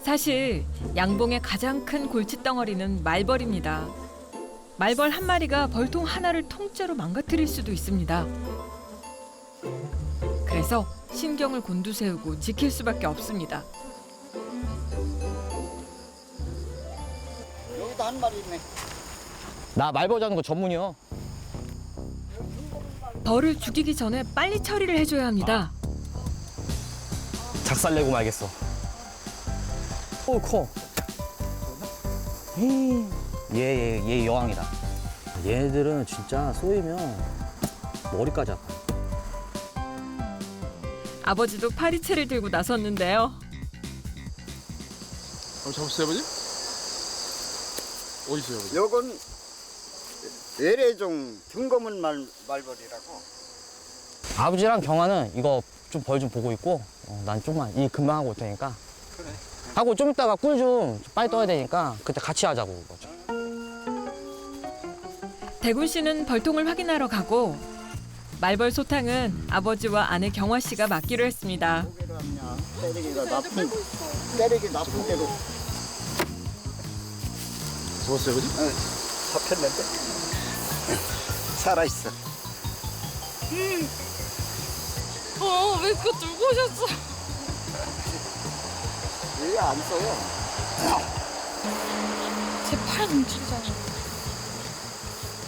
사실 양봉의 가장 큰 골칫덩어리는 말벌입니다. 말벌 한 마리가 벌통 하나를 통째로 망가뜨릴 수도 있습니다. 그래서 신경을 곤두세우고 지킬 수밖에 없습니다. 여기도 한 마리 있네. 나 말벌 잡는 거 전문이요. 벌을 죽이기 전에 빨리 처리를 해줘야 합니다. 작살내고 말겠어. 오, 커. 얘 여왕이다. 얘네들은 진짜 쏘이면 머리까지 아파. 아버지도 파리채를 들고 나섰는데요. 잡으세요, 아버지? 어디 있어요, 아버지? 요건 외래종 등거문 말벌이라고. 아버지랑 경아는 이거 좀 벌 좀 보고 있고, 난 좀만 일 금방 하고 올 테니까. 그래. 하고 좀 이따가 꿀 좀 빨리 떠야 되니까 그때 같이 하자고. 대군 씨는 벌통을 확인하러 가고 말벌 소탕은 아버지와 아내 경화 씨가 맡기로 했습니다. 고개로 하냐. 때리기가 나쁜 대로. 잡았어요, 아버지? 잡혔는데. 살아있어. 왜 그거 들고 오셨어? 왜 안 써요? 제 팔 움직이잖아요.